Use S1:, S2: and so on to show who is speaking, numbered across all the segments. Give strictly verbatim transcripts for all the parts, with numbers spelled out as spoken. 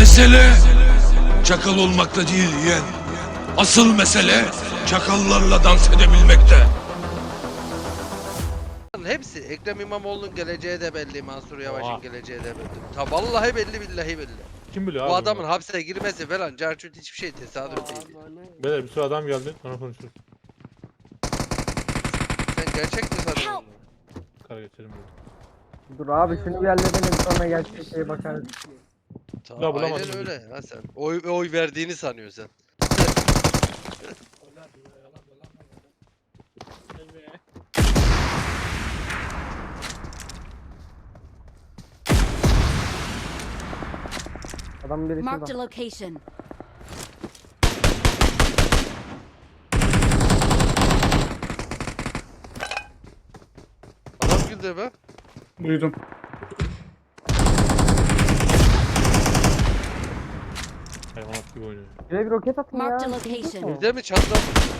S1: Mesele çakal olmakta değil yeğen. Asıl mesele çakallarla dans edebilmekte.
S2: Hepsi Ekrem İmamoğlu'nun geleceği de belli, Mansur Yavaş'ın
S3: Oha.
S2: geleceği de belli. Ta vallahi belli, billahi belli.
S3: Kim biliyor
S2: Bu
S3: abi
S2: adamın
S3: bunu?
S2: hapse girmesi falan carçurt hiçbir şey tesadüf değil.
S3: Beyler bir sürü adam geldi. Sonra konuşuruz.
S2: Sen gerçek mi sanıyorsun onu?
S3: Kara geçelim böyle.
S4: Dur abi şunu bir halledelim sonra gerçek şeye bakarız.
S2: Ta,
S3: Ya bulamadım
S2: aynen
S3: bizi.
S2: öyle ha sen. Oy, oy verdiğini sanıyorsun sen.
S4: Adam biri
S5: Marked a
S4: şurada.
S5: location.
S2: Adam güldü be.
S6: Duydum.
S3: Hayvanat gibi oynuyor.
S4: Şuraya bir roket atın ya.
S5: Marked a location.
S2: Bir de mi çatladı?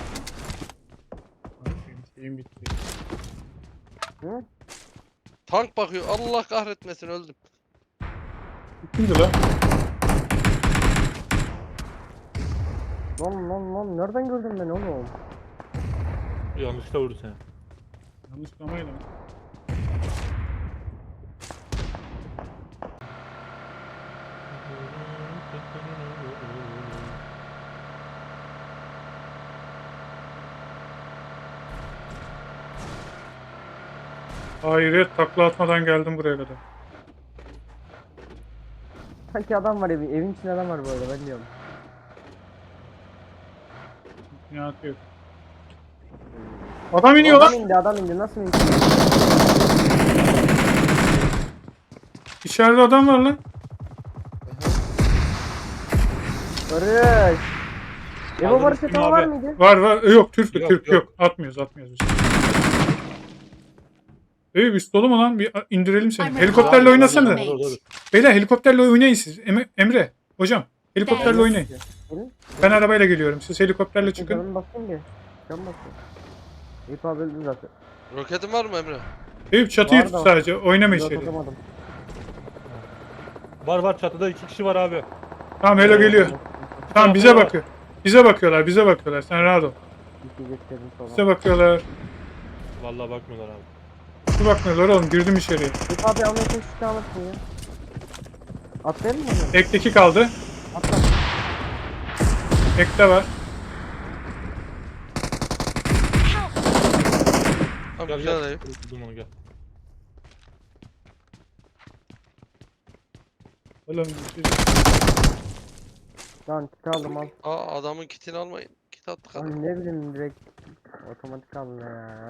S6: Şeyim bitti.
S4: Hı?
S2: Tank bakıyor. Allah kahretmesin, öldüm.
S6: Kimdi lan?
S4: Lan lan lan nereden gördün beni oğlum?
S3: Yanlışlıkla vurdu seni.
S6: Yanlış kamayla. Hayret takla atmadan geldim buraya kadar.
S4: Sanki adam var evin, evin içinde adam var bu arada ben diyorum.
S6: Ne atıyor? Adam iniyor
S4: Adam
S6: lan.
S4: indi adam indi nasıl indi?
S6: İçeride adam var lan.
S4: Barış. Ebo
S3: Aldınız
S4: Barış
S3: kim
S4: yatağı var
S3: abi?
S4: mıydı?
S6: Var var. E, Yok Türk
S3: Yok,
S6: Türk
S3: yok.
S6: yok. Atmıyoruz atmıyoruz biz. Ee, üst dolu mu lan? Bir indirelim seni.
S5: I'm
S6: Helikopterle
S5: recalling
S6: oynasana.
S5: teammate.
S3: Dur, dur, dur.
S6: Beyler helikopterle oynayın siz. Em- Emre. Hocam. Helikopterle
S5: Thanks.
S6: oynayın.
S4: Gelin.
S6: Ben arabayla geliyorum. Siz helikopterle çıkın.
S4: Canım basayım bir. Can basayım. Eyüp abi öldü zaten.
S2: Roketin var mı Emre?
S6: Eyüp çatıyı
S4: Var
S6: tut
S4: da-
S6: sadece. Oynama
S4: Yok
S6: içeri.
S4: atamadım.
S3: Var var çatıda iki kişi var abi.
S6: Tamam Helo geliyor. Tamam bize bakıyor. Bize bakıyorlar. Bize bakıyorlar. Sen rahat ol.
S4: Yiyeceklerim sonra.
S6: Bize bakıyorlar.
S3: Vallahi bakmıyorlar abi.
S6: Bize bakmıyorlar oğlum. Girdim içeriye.
S4: Eyüp abi almaya çalıştık alırsın ya. Atlayalım mı onu?
S6: Ekteki kaldı.
S4: Atla.
S6: Ekte var.
S2: Tamam,
S3: Gel
S2: güzel
S3: gel.
S2: dayı.
S3: Buldum onu gel.
S6: Oğlum biz-
S4: Lan kit aldım al.
S2: Aa, adamın kitini almayın. Kit attık adam.
S4: Lan ne bileyim direkt otomatik aldım ya.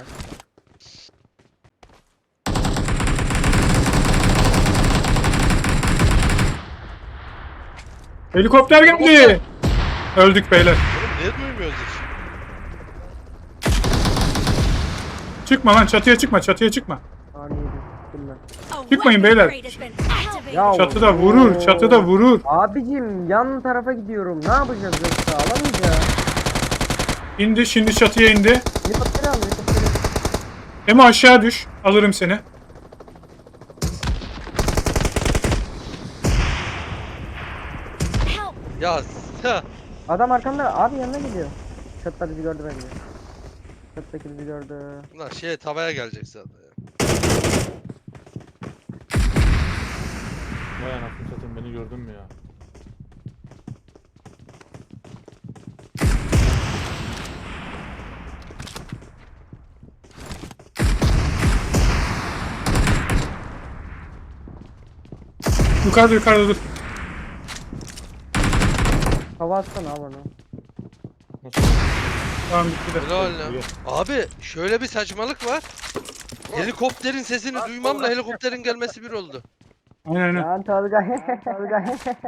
S6: Helikopter geldi. Öldük beyler.
S2: Oğlum niye duymuyoruz hiç?
S6: Çıkma lan çatıya çıkma. Çatıya çıkma.
S4: Saniyeydi. Bilmem.
S5: A
S6: Çıkmayın
S5: weapon
S6: beyler.
S5: crate has been activated.
S4: Ya
S6: Çatıda vurur. Çatıda vurur.
S4: Abicim yan tarafa gidiyorum. Ne yapacağız yoksa alamayacağız.
S6: İndi şimdi çatıya indi.
S4: Helikopteri al helikopteri.
S6: Emo aşağı düş. Alırım seni.
S5: Help!
S2: Ya ha.
S4: Adam arkamda abi yanına gidiyor. Çatıda bizi gördü bence. Çatıdaki bizi gördü.
S2: Lan şey tavaya gelecek zaten ya.
S3: Vay anasını satayım, beni gördün mü ya?
S6: Yukarıda yukarıda dur.
S4: Hava atsana abi onu.
S3: Nasıl?
S6: Tamam bitti de.
S2: Helal lan.
S3: İyi.
S2: Abi şöyle bir saçmalık var. Helikopterin sesini duymamla helikopterin gelmesi bir oldu.
S6: Aynen aynen.
S4: Lan Tolga. Tolga.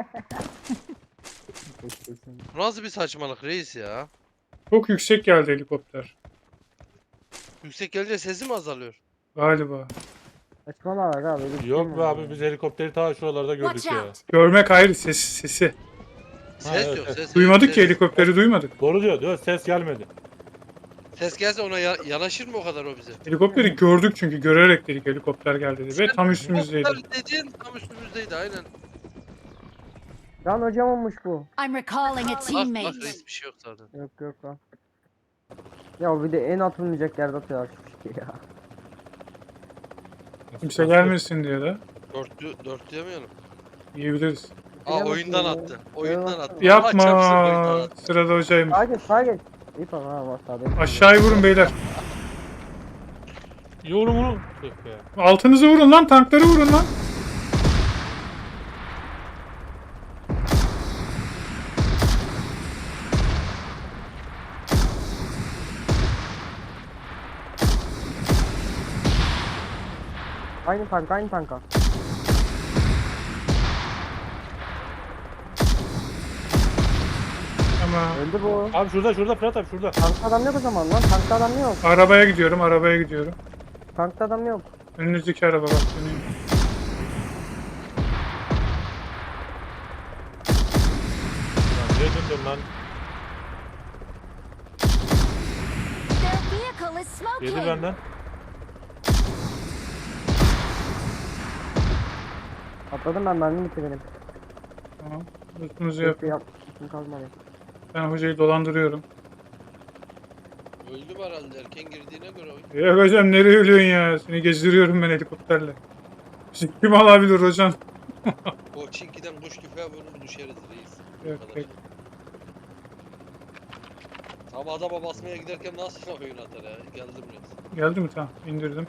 S2: Bu nasıl bir saçmalık reis ya?
S6: Çok yüksek geldi helikopter.
S2: Yüksek gelince sesi mi azalıyor?
S6: Galiba.
S4: Saçmalama abi. öyle bir şey
S3: Yok
S4: mi
S3: be
S4: var
S3: abi,
S4: ya?
S3: biz helikopteri ta şuralarda gördük
S5: Watch
S3: ya.
S5: out!
S6: Görmek ayrı ses, sesi.
S2: Ses
S3: evet,
S2: yok
S3: evet.
S2: ses.
S6: Duymadık
S2: ses.
S6: ki helikopteri duymadık.
S3: Doğru diyor, diyor ses gelmedi.
S2: Ses gelse ona ya- yanaşır mı o kadar o bize?
S6: Helikopteri gördük çünkü görerek dedik helikopter geldi dedi ve tam üstümüzdeydi.
S2: Helikopter dediğin tam üstümüzdeydi aynen.
S4: Lan hocam olmuş bu.
S5: I'm recalling a
S2: Bak bak
S5: teammate.
S2: reis bir şey yok zaten.
S4: Yok yok lan. Ya bir de en atılmayacak yerde atıyorlar şu şey ya.
S6: Kimse gelmesin diye de
S2: Dörtlü, dörtlü yemeyelim.
S6: yiyebiliriz.
S2: Aa
S4: Yapma
S2: oyundan
S4: ya.
S2: attı. Oyundan attı. Allah
S6: Yapma.
S2: çarpsın oyundan attı.
S6: Sırada hocaymış.
S4: Sağa geç sağa geç. İyi tamam ha bak sağda.
S6: Aşağıya vurun beyler.
S3: Yorum vurun. Tüh be.
S6: Altınızı vurun lan. Tankları vurun lan.
S4: Aynı tank aynı tanka.
S6: Ama
S4: Öldü bu.
S3: Abi şurada şurada Fırat abi şurada.
S4: Tankta adam yok o zaman lan. Tankta adam yok.
S6: arabaya gidiyorum. Arabaya gidiyorum.
S4: Tankta adam yok.
S6: Önünüzdeki araba bak. Dönüyor.
S3: Lan niye döndün lan?
S5: Their vehicle is
S3: Yedi
S5: smoking.
S3: benden.
S4: Atladım ben mermi bitti benim.
S6: Tamam. Lütfunuzu yap.
S4: Hiçbir yap. Hiçbir kalmadı.
S6: Ben hocayı dolandırıyorum.
S2: Öldü mü herhalde erken girdiğine göre oyun.
S6: Ya hocam nereye ölüyorsun ya? Seni gezdiriyorum ben helikopterle. Bizi kim alabilir hocam?
S2: O çinkiden kuş tüfeği vurur düşeriz reis. Bu
S6: Yok,
S2: kadar.
S6: yok.
S2: Ama adama basmaya giderken nasıl oyun atar ya? Geldim reis.
S6: Geldi mi? Tamam. İndirdim.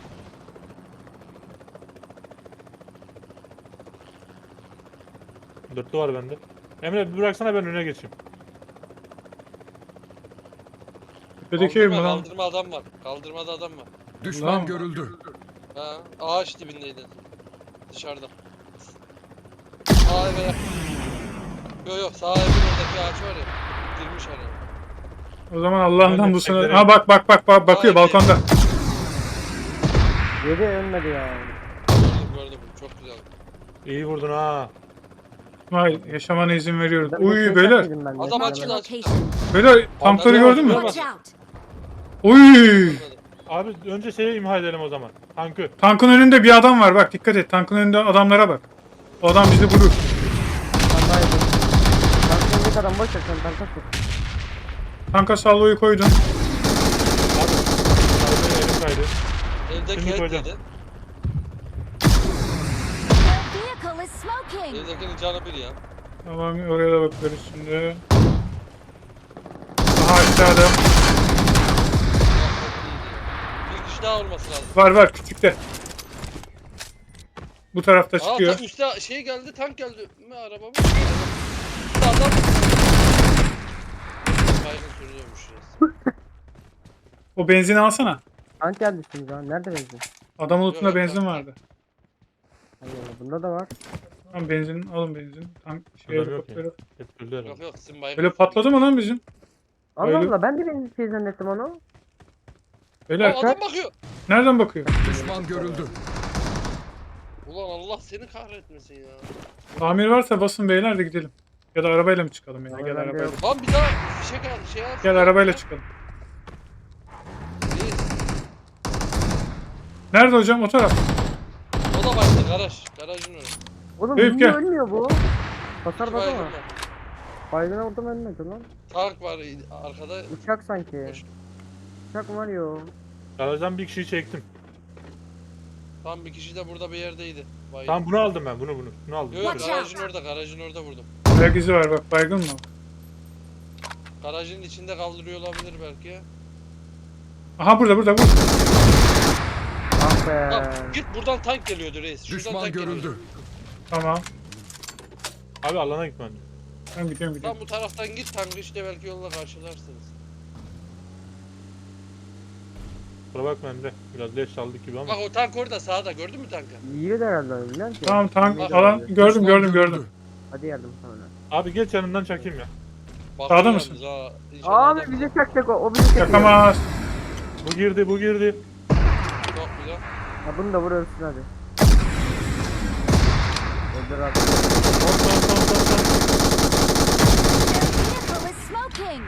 S3: Dörtlü var bende. Emre bir bıraksana ben öne geçeyim.
S6: Tepedeki ev mi
S2: Kaldırma,
S6: lan?
S2: kaldırma adam var. Kaldırmada adam var.
S6: Lan.
S1: Düşman görüldü.
S2: Ha, ağaç dibindeydi. Dışarıda. Sağ eve yakın. Yok yok sağ evin oradaki ağaç var ya. Girmiş araya.
S6: O zaman Allah'ından
S3: Ben de
S6: bu sene...
S3: teklerim.
S6: Ha bak bak bak bak bakıyor
S2: Ay,
S6: balkonda.
S4: Yedi ölmedi ya.
S2: Gördüm gördüm. Çok güzel.
S3: İyi vurdun ha.
S6: Hayır yaşamana izin veriyoruz.
S4: Ben bir
S6: Uy
S4: şey
S6: beyler.
S4: çekmedim ben de.
S2: Adam
S5: Marked
S2: açıldı
S5: a
S2: açıldı.
S5: location.
S6: Beyler tankları
S3: Adam-
S6: gördün mü?
S5: Watch out.
S6: Uy.
S3: Abi önce şeyi imha edelim o zaman. Tankı.
S6: Tankın önünde bir adam var bak dikkat et. Tankın önünde adamlara bak. O adam bizi vurur.
S4: Tanka yedim. Tankta öndeki adam boş ver sen tanka tut.
S6: Tanka salloyu koydun.
S3: Abi. Arabaya elim kaydı.
S2: Evdeki
S3: Şimdi
S2: et
S3: koyacağım.
S2: yedi.
S5: Their vehicle is smoking.
S2: Evdekinin canı bir ya.
S6: Tamam oraya da bakıyoruz şimdi. Aha aşağıda.
S2: Ya, çok iyiydi ya. Bir kişi daha olması lazım.
S6: Var var küçükte. Bu tarafta
S2: Aa
S6: çıkıyor.
S2: tam üstte şey geldi tank geldi. Mi araba mı? Üstte adam. Baygın sürüyormuş reis.
S6: O benzini alsana.
S4: Tank geldi şimdi ya. Nerede benzin?
S6: Adamın ultunda
S2: Yok,
S6: benzin
S2: yok.
S6: vardı.
S4: Allah Allah, bunda da var.
S6: Tamam benzin alın benzin. Tank şey
S3: Adam yok
S6: helikopteri.
S3: Hep öldü herhalde.
S2: Yok yok sizin baygın.
S6: Böyle patladı mı lan bizim?
S4: Allah
S6: Öyle-
S4: Allah ben de benzin şey zannettim onu.
S6: Beyler
S2: Aa, adam bakıyor.
S6: nereden bakıyor?
S1: Düşman görüldü.
S2: Ulan Allah seni kahretmesin ya.
S6: Tamir varsa basın beyler de gidelim. Ya da arabayla mı çıkalım ya?
S4: Abi
S6: Gel
S4: bende
S6: arabayla.
S4: yok.
S2: Lan bir daha fişek al şey al.
S6: Gel arabayla çıkalım.
S2: Reis,
S6: Nerede hocam? O taraf.
S2: o da başta garaj. Garajın önü.
S4: Oğlum
S6: Eyüp,
S4: niye
S6: gel.
S4: ölmüyor bu? Hasar
S2: İki
S4: bana
S2: baygın
S4: mı?
S2: var.
S4: Baygına vurdum ölmedi lan.
S2: Tank var arkada.
S4: Uçak sanki.
S2: Boş.
S4: Uçak var yo.
S3: Garajdan bir kişiyi çektim.
S2: Tam bir kişi de burada bir yerdeydi. Baygın.
S3: Tamam bunu aldım ben bunu bunu. Bunu aldım.
S2: Yok yok
S5: Watch
S2: garajın orada garajın orada vurdum.
S6: Ayak izi var bak baygın mı?
S2: Garajın içinde kaldırıyor olabilir belki ya.
S6: Aha burada burada bu.
S4: Ah be.
S2: Tamam, git buradan tank geliyordu reis. Şuradan
S1: Düşman
S2: tank
S1: görüldü.
S2: geliyordu.
S6: Tamam.
S3: Abi alana gitmen.
S6: Ben gidiyorum gidiyorum.
S2: Tam bu taraftan git tankı işte belki yolda karşılarsınız.
S3: Kusura bakma Emre. Biraz leş saldık gibi ama.
S2: Bak o tank orada sağda gördün mü tankı?
S4: İyi de herhalde biliyor musun?
S6: Tamam tank
S2: Bak.
S6: alan gördüm
S1: Düşman
S6: gördüm
S1: görüldü.
S6: gördüm.
S4: Hadi yardım sana.
S3: Abi geç yanından çakayım ya.
S2: Bakıyor
S6: Sağda
S2: yalnız
S6: mısın?
S2: ha, inşallah
S4: Abi
S2: adam-
S4: bizi çakacak o. O bizi çekiyor.
S6: Yakamaz.
S3: Bu girdi bu girdi.
S2: Çok güzel.
S4: Ha bunu da vur ölsün hadi. Öldür abi.
S3: Son son son son son.
S5: Their vehicle is smoking.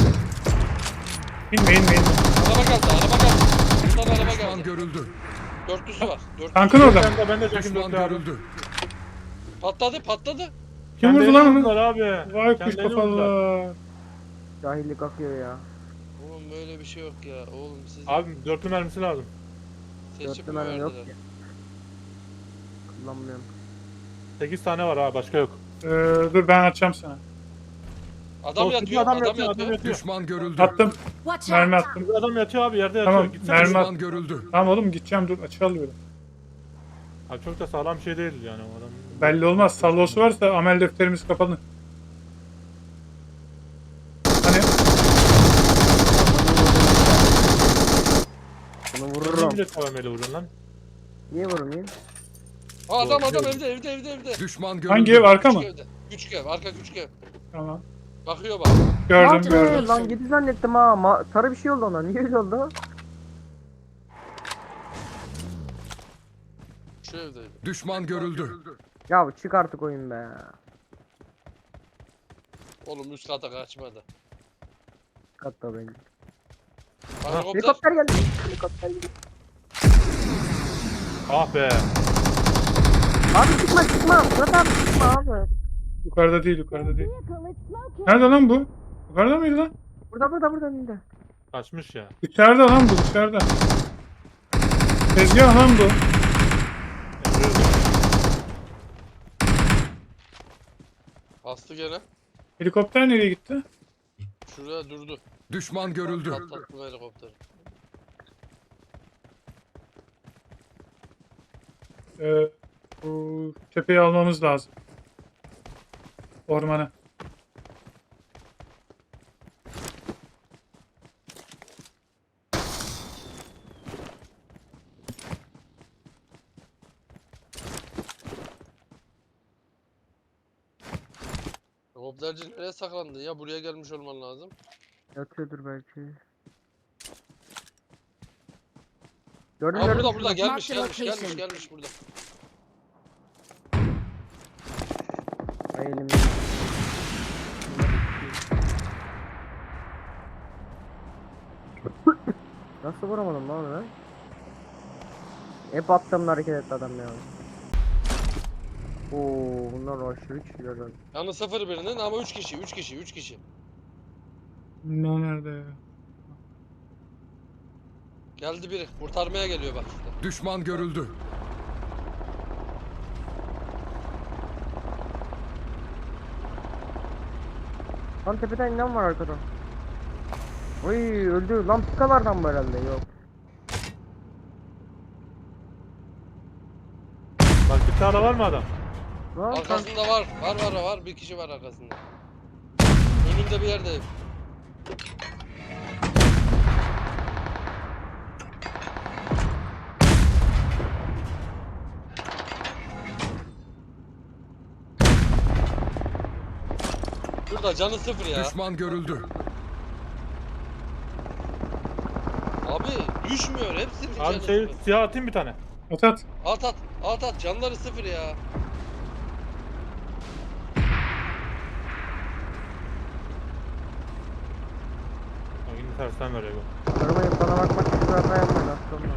S6: İnme inme inme.
S2: Araba geldi araba geldi. Buradan araba
S1: Düşman
S2: geldi.
S1: görüldü.
S2: Dörtlüsü var. Dörtlüsü.
S6: Tankın orada mı?
S3: Ben de ben de çakayım
S1: Düşman
S3: dörtlü abi.
S1: görüldü.
S2: Patladı patladı.
S6: Kim vurdu lan onu?
S3: Vurdular abi.
S6: Vay kuş
S3: Kendilerini vurdular.
S6: kafalı.
S4: Cahillik akıyor ya.
S2: Oğlum böyle bir şey yok ya. Oğlum siz
S3: Abi dörtlü mermisi lazım.
S2: seçip
S4: Dörtlü
S2: mi
S4: mermi yok
S2: verdiler?
S4: ki. Kullanmıyorum.
S3: sekiz tane var abi başka yok.
S6: Ee, dur ben atacağım sana.
S2: Adam
S3: Yok,
S2: yatıyor,
S3: adam
S2: adam,
S3: yatıyor,
S2: yatıyor.
S3: adam yatıyor.
S7: Düşman görüldü.
S6: Attım.
S5: Watch
S6: Mermi
S5: out!
S6: attım.
S3: Bir adam yatıyor abi yerde yatıyor.
S6: Tamam,
S3: Gitsene.
S6: mermi at.
S7: Düşman görüldü.
S6: Tamam oğlum gideceğim dur açı alıyorum.
S3: Abi çok da sağlam bir şey değil yani o adam.
S6: Belli olmaz. Sallosu varsa amel defterimiz kapalı. Hani
S4: Bunu
S3: Vururum.
S4: vururum.
S3: Niye tavameli vuruyorsun lan?
S4: Niye vurmayayım?
S2: Aa, adam
S3: Doğru,
S2: adam
S3: doğru.
S2: evde evde evde evde.
S7: Düşman görüldü.
S6: hangi ev arka mı?
S2: Küçük evde. Küçük ev, arka küçük ev.
S6: Tamam.
S2: Bakıyor bak.
S6: Gördüm
S4: Lan,
S6: gördüm.
S4: Lan gidi zannettim ha. Ma sarı bir şey oldu ona. Niye öyle oldu?
S2: Şu evde.
S7: Düşman görüldü.
S4: Ya çık artık oyun be.
S2: Oğlum üst kata kaçmadı.
S4: Katta bence.
S2: Helikopter.
S4: Helikopter geldi. Helikopter geldi.
S3: Ah be.
S4: Abi çıkma çıkma. Murat abi çıkma abi.
S6: Yukarıda değil yukarıda değil.
S5: Vehicle is smoking.
S6: Nerede lan bu? Yukarıda mıydı lan?
S4: Burada burada burada önünde.
S3: Kaçmış ya.
S6: Dışarıda lan bu dışarıda. Tezgah lan bu.
S2: Bastı gene.
S6: Helikopter nereye gitti?
S2: Şuraya durdu.
S7: Düşman görüldü.
S2: Patlattım helikopteri.
S6: Ee, bu tepeyi almamız lazım. Ormana.
S2: Helikopterci nereye saklandı ya? Buraya gelmiş olman lazım.
S4: Yatıyordur belki. Gördün
S2: Aa,
S4: mü?
S2: burada burada gelmiş
S5: Mark the
S2: gelmiş gelmiş
S5: location.
S2: gelmiş burada.
S4: Ay elim. Nasıl vuramadım lan onu? Hep attığımda hareket etti adam ya. Oo, bunlar aşırı kişiler lan.
S2: Yanı sıfır birinin ama üç kişi üç kişi üç kişi.
S6: Ne nerede ya?
S2: Geldi biri kurtarmaya geliyor bak işte.
S7: Düşman görüldü.
S4: Lan tepeden inen var arkada. Oy öldü. Lan pikalardan bu herhalde. Yok.
S3: Bak bir tane var mı adam?
S4: Lan kan-
S2: Arkasında var var var var bir kişi var arkasında. Önünde bir yerde. Burada canı sıfır ya.
S7: Düşman görüldü.
S2: Abi düşmüyor hepsinin
S3: Abi
S2: canı
S3: şey
S2: sıfır.
S3: siyah atayım bir tane.
S6: At at.
S2: At at at at canları sıfır ya.
S3: Bak yine tersten veriyor bu.
S4: Arabayı bana bakmak için hata yapmadı aslında.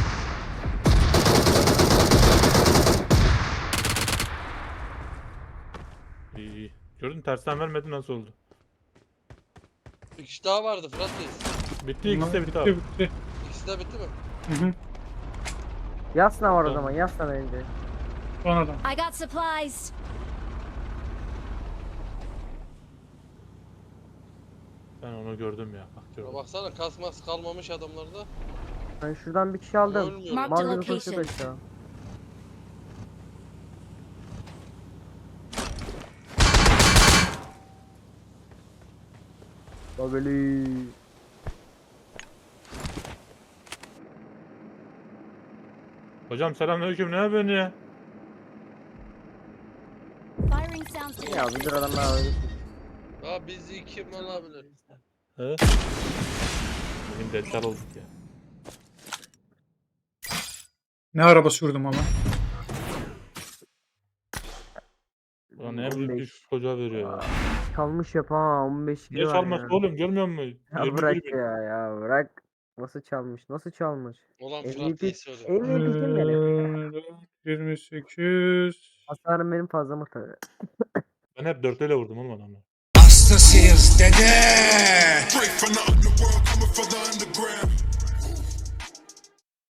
S3: İyi iyi. Gördün tersten vermedi nasıl oldu?
S2: Bir kişi daha vardı Fırat Reis.
S3: Bitti ikisi de bitti abi.
S6: Bitti bitti.
S2: İkisi de bitti mi?
S6: Hı hı.
S4: Yasna var o
S3: Tamam.
S4: zaman. Yasna bence.
S6: Son adam.
S5: I got supplies.
S3: Ben onu gördüm ya. Bak
S2: Ya
S3: gördüm.
S2: baksana kasmas kalmamış adamlarda.
S4: Ben şuradan bir kişi aldım.
S2: Ölmüyor.
S5: Mark the
S4: Mal gibi
S5: location.
S4: koşuyor aşağı. Babeli.
S3: Hocam selamünaleyküm ne yapıyorsun ya?
S5: Firing sounds detected.
S4: Ya bir dur adam daha öyle.
S2: Ya bizi kim alabilir?
S3: He? Bugün deccal olduk ya.
S6: Ne araba sürdüm ama.
S3: Ulan en
S4: on
S3: büyük
S4: beş.
S3: düş çocuğa veriyor ya.
S4: Çalmış yap ha on beş
S3: Niye
S4: var
S3: çalması
S4: ya.
S3: oğlum görmüyor musun?
S4: Ya
S3: yirmi bir
S4: bırak
S3: bin.
S4: ya ya bırak. Nasıl çalmış? Nasıl çalmış?
S2: Ulan
S4: M V
S2: Fırat
S4: P
S2: Reis öyle.
S4: M V P kim benim?
S6: Ee, yirmi sekiz.
S4: Hasarım benim fazla mı tabii?
S3: Ben Ben hep dörtlüyle vurdum oğlum adamı.
S1: Hastasıyız dede.